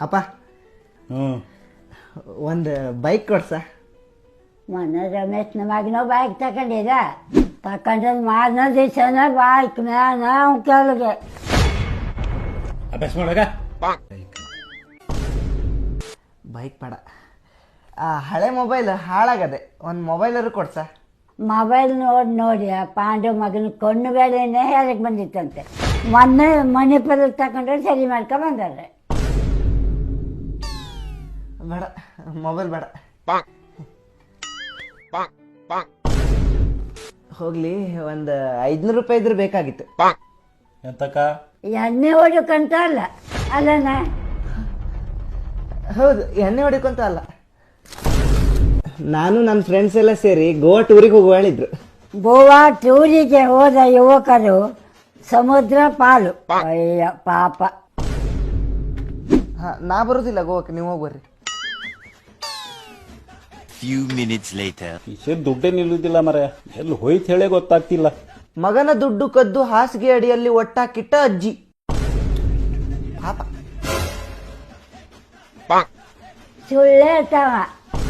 ಅಪ್ಪ ಒಂದು ಬೈಕ್ ಕೊಡ್ಸ. ಮೊನ್ನೆ ರಮೇಶ್ನ ಮಗನೋ ಬೈಕ್ ತಗೊಂಡ್ರೆ ಮಾರನೇ ದಿವಸನ ಬೈಕ್ ಮ್ಯಾನ ಕೆಳಗೆ ಅಭ್ಯಾಸ ಮಾಡಾಗ ಬೈಕ್ ಬೇಡ, ಹಳೆ ಮೊಬೈಲ್ ಹಾಳಾಗದೆ, ಒಂದು ಮೊಬೈಲರು ಕೊಡ್ಸ. ಮೊಬೈಲ್ ನೋಡಿ ಪಾಂಡು ಮಗನ ಕಣ್ಣು ಬೇಳೆನೇ ಹೇಳಕ್ಕೆ ಬಂದಿತ್ತಂತೆ. ಮೊನ್ನೆ ಮಣಿಪುರ ತಗೊಂಡ್ರೆ ಸರಿ ಮಾಡ್ಕೊಂಡು ಬಂದಾರೆ. ಬೇಡ, ಮೊಬೈಲ್ ಬೇಡ. ಹೋಗ್ಲಿ, ಒಂದು 500 ರೂಪಾಯಿ ಇದ್ರೆ ಬೇಕಾಗಿತ್ತು. ಎಂತಕ್ಕ? ಎಣ್ಣೆ ಹೊಡಕಂತ ಅಲ್ಲ ಅಲ್ಲಣ್ಣ. ಹೌದು, ಎಣ್ಣೆ ಹೊಡಿಕೊಂತ ಅಲ್ಲ. ನಾನು ನನ್ನ ಫ್ರೆಂಡ್ಸ್ ಎಲ್ಲ ಸೇರಿ ಗೋವಾ ಟೂರಿಗೆ ಹೋಗುವ ಹೇಳಿದ್ರು. ಗೋವಾ ಟೂರಿಗೆ ಹೋದ ಯುವಕರು ಸಮುದ್ರ ಪಾಲು. ಅಯ್ಯ ಪಾಪ. ನಾ ಬರೋದಿಲ್ಲ ಗೋವಾಕ್ಕೆ, ನೀವು ಹೋಗ್ಬರ್ರಿ. ಕಿಶೆ ದುಡ್ಡೇ ನಿಲ್ಲುದಿಲ್ಲ ಮರ, ಎಲ್ಲಿ ಹೋಯ್ತು ಹೇಳೇ ಗೊತ್ತಾಗ್ತಿಲ್ಲ. ಮಗನ ದುಡ್ಡು ಕದ್ದು ಹಾಸಿಗೆ ಅಡಿಯಲ್ಲಿ ಒಟ್ಟಾಕಿಟ್ಟ ಅಜ್ಜಿ ಪಾಪ. ಸುಳ್ಳೇ ಇರ್ತಾವ.